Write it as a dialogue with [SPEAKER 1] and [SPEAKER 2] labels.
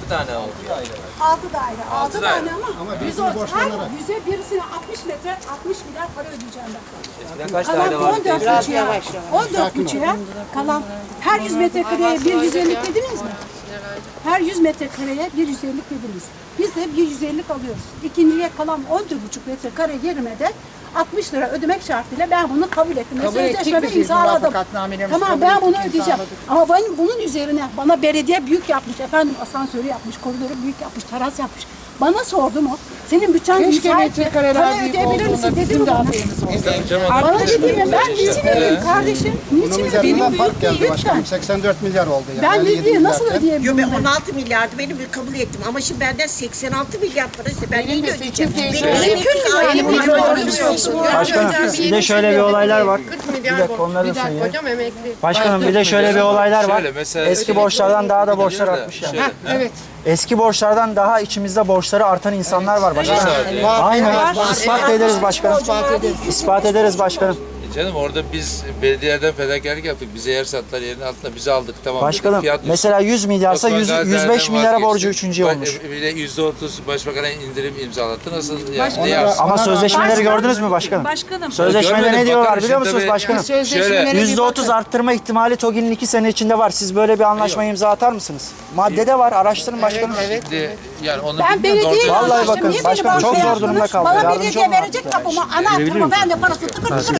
[SPEAKER 1] tane oldu?
[SPEAKER 2] 6 daire. 6
[SPEAKER 1] daire.
[SPEAKER 2] tane ama
[SPEAKER 3] birisini borçlanarak.
[SPEAKER 2] birisine 60 milyar para ödeyeceğim ben.
[SPEAKER 1] Eskiden kaç
[SPEAKER 2] Kalan
[SPEAKER 1] daire vardı?
[SPEAKER 2] 14 buçuğa kalan her 100 metrekareye bir 150 dediniz mi? Her 100 metrekareye bir 150 dediniz. Biz de bir 150 alıyoruz. İkinciye kalan 14,5 metrekare yerime de 60 lira ödemek şartıyla ben bunu kabul ettim.
[SPEAKER 4] Kabul ettik
[SPEAKER 2] Sözleşmemi
[SPEAKER 4] biz,
[SPEAKER 2] imzaladım.
[SPEAKER 4] muvafakatnamelerimizi
[SPEAKER 2] Tamam
[SPEAKER 4] kabul
[SPEAKER 2] ben
[SPEAKER 4] ettik,
[SPEAKER 2] bunu ödeyeceğim.
[SPEAKER 4] imzaladık.
[SPEAKER 2] Ama benim bunun üzerine bana belediye büyük yapmış. Efendim asansörü yapmış, koridoru büyük yapmış, teras yapmış. Bana sordu mu? Senin bütçen
[SPEAKER 4] Keşke
[SPEAKER 2] müsait mi?
[SPEAKER 4] metrekareler
[SPEAKER 2] Para
[SPEAKER 4] büyük
[SPEAKER 2] ödeyebilir
[SPEAKER 4] olduğunda
[SPEAKER 2] misin? Dedi
[SPEAKER 4] bizim
[SPEAKER 2] mi
[SPEAKER 4] de
[SPEAKER 2] bana?
[SPEAKER 4] haberimiz oldu.
[SPEAKER 2] Bana dedi mi? Ben niçin ödeyeyim kardeşim? Niçin
[SPEAKER 3] Bunun
[SPEAKER 2] ödeyeyim?
[SPEAKER 3] üzerinden fark geldi
[SPEAKER 2] Lütfen.
[SPEAKER 3] başkanım. 84 milyar oldu yani.
[SPEAKER 2] Ben
[SPEAKER 3] 57
[SPEAKER 2] ne diye nasıl
[SPEAKER 3] milyarken.
[SPEAKER 2] ödeyebilirim?
[SPEAKER 5] Yo, ben
[SPEAKER 2] ben?
[SPEAKER 5] 16 milyardı benim kabul ettim ama şimdi benden 86 milyar para iste. Ben neyle
[SPEAKER 4] de
[SPEAKER 5] ödeyeceğim?
[SPEAKER 4] seçim
[SPEAKER 5] Benim
[SPEAKER 4] teyze-
[SPEAKER 5] emekli ailem
[SPEAKER 4] Benim
[SPEAKER 6] Başkanım bir de şöyle bir olaylar var.
[SPEAKER 7] 40 milyar
[SPEAKER 6] Bir dakika, onları da
[SPEAKER 7] bir dakika
[SPEAKER 6] söyleyeyim.
[SPEAKER 7] hocam emekli.
[SPEAKER 6] Başkanım bir de şöyle bir olaylar var.
[SPEAKER 1] Şöyle mesela
[SPEAKER 6] Eski borçlardan daha da borçlar artmış yani.
[SPEAKER 1] Şöyle,
[SPEAKER 4] Evet.
[SPEAKER 6] Eski borçlardan daha içimizde borçları artan insanlar var başkanım.
[SPEAKER 1] Evet.
[SPEAKER 6] Aynen. İspat ederiz başkanım. İspat ederiz başkanım.
[SPEAKER 1] Canım orada biz belediyeden fedakarlık yaptık. Bize yer sattılar, yerin altında bizi aldık, tamam.
[SPEAKER 6] Başkanım
[SPEAKER 1] Fiyat
[SPEAKER 6] mesela 100 milyarsa
[SPEAKER 1] Osman
[SPEAKER 6] 105
[SPEAKER 1] Gazi'den
[SPEAKER 6] milyara
[SPEAKER 1] vazgeçtik.
[SPEAKER 6] borcu üçüncü olmuş.
[SPEAKER 1] Bir de %30 başbakana indirim imzalattı. Nasıl yani? Ne
[SPEAKER 3] Ona
[SPEAKER 1] yapsın?
[SPEAKER 6] Ama sözleşmeleri gördünüz mü başkanım?
[SPEAKER 2] Başkanım.
[SPEAKER 6] Sözleşmede
[SPEAKER 1] Görmedim,
[SPEAKER 6] ne diyorlar
[SPEAKER 1] bakarım
[SPEAKER 6] biliyor
[SPEAKER 1] şimdi
[SPEAKER 6] musunuz
[SPEAKER 1] tabii.
[SPEAKER 6] başkanım?
[SPEAKER 4] Sözleşmelere bir
[SPEAKER 6] %30
[SPEAKER 4] bakın.
[SPEAKER 6] arttırma ihtimali TOGİ'nin 2 sene içinde var. Siz böyle bir anlaşmaya imza atar mısınız? Maddede var. Araştırın başkanım.
[SPEAKER 1] Şimdi yani onu
[SPEAKER 2] Ben
[SPEAKER 1] bilmiyorum,
[SPEAKER 2] belediye
[SPEAKER 1] doğru-
[SPEAKER 6] Vallahi bakın, başkanım çok zor durumda kaldı.
[SPEAKER 2] Bana
[SPEAKER 6] Yardımcı
[SPEAKER 2] belediye
[SPEAKER 6] olun
[SPEAKER 2] verecek kapıma ana atırma ben de parası tıkır tıkır